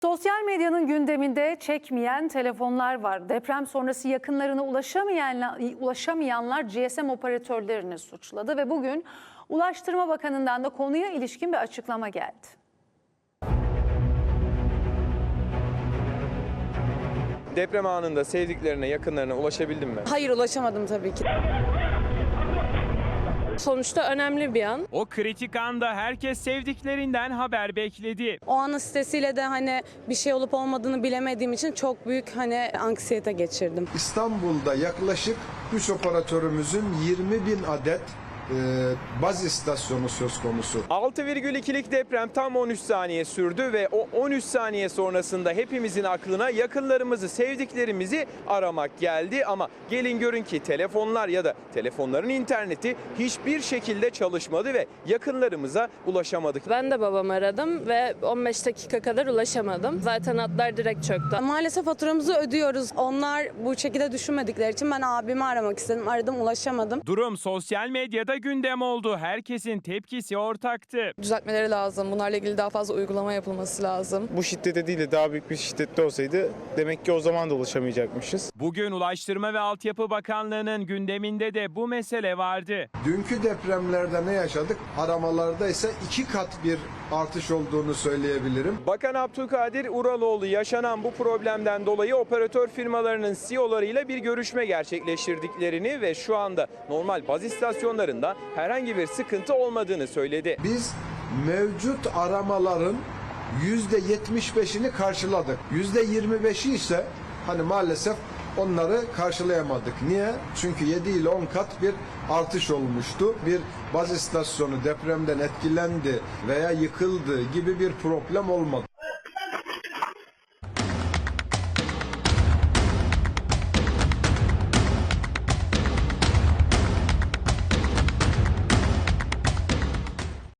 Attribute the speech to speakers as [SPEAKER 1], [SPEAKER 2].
[SPEAKER 1] Sosyal medyanın gündeminde çekmeyen telefonlar var. Deprem sonrası yakınlarına ulaşamayanlar GSM operatörlerini suçladı ve bugün Ulaştırma Bakanı'ndan da konuya ilişkin bir açıklama geldi.
[SPEAKER 2] Deprem anında sevdiklerine, yakınlarına ulaşabildin mi?
[SPEAKER 3] Hayır, ulaşamadım tabii ki. Sonuçta önemli bir an.
[SPEAKER 4] O kritik anda herkes sevdiklerinden haber bekledi.
[SPEAKER 3] O anın stresiyle de bir şey olup olmadığını bilemediğim için çok büyük anksiyete geçirdim.
[SPEAKER 5] İstanbul'da yaklaşık 3 operatörümüzün 20.000 adet baz istasyonu söz konusu.
[SPEAKER 2] 6,2'lik deprem tam 13 saniye sürdü ve o 13 saniye sonrasında hepimizin aklına yakınlarımızı, sevdiklerimizi aramak geldi. Ama gelin görün ki telefonlar ya da telefonların interneti hiçbir şekilde çalışmadı ve yakınlarımıza ulaşamadık.
[SPEAKER 6] Ben de babamı aradım ve 15 dakika kadar ulaşamadım. Zaten hatlar direkt çöktü.
[SPEAKER 3] Maalesef faturamızı ödüyoruz. Onlar bu şekilde düşünmedikleri için ben abimi aramak istedim. Aradım, ulaşamadım.
[SPEAKER 4] Durum sosyal medyada gündem oldu. Herkesin tepkisi ortaktı.
[SPEAKER 7] Düzeltmeleri lazım. Bunlarla ilgili daha fazla uygulama yapılması lazım.
[SPEAKER 8] Bu şiddete değil de daha büyük bir şiddette olsaydı demek ki o zaman da ulaşamayacakmışız.
[SPEAKER 4] Bugün Ulaştırma ve Altyapı Bakanlığı'nın gündeminde de bu mesele vardı.
[SPEAKER 5] Dünkü depremlerde ne yaşadık? Aramalarda ise 2 kat bir artış olduğunu söyleyebilirim.
[SPEAKER 2] Bakan Abdülkadir Uraloğlu yaşanan bu problemden dolayı operatör firmalarının CEO'larıyla bir görüşme gerçekleştirdiklerini ve şu anda normal baz istasyonlarında herhangi bir sıkıntı olmadığını söyledi.
[SPEAKER 5] Biz mevcut aramaların %75'ini karşıladık. %25'i ise maalesef onları karşılayamadık. Niye? Çünkü 7 ile 10 kat bir artış olmuştu. Bir baz istasyonu depremden etkilendi veya yıkıldı gibi bir problem olmadı.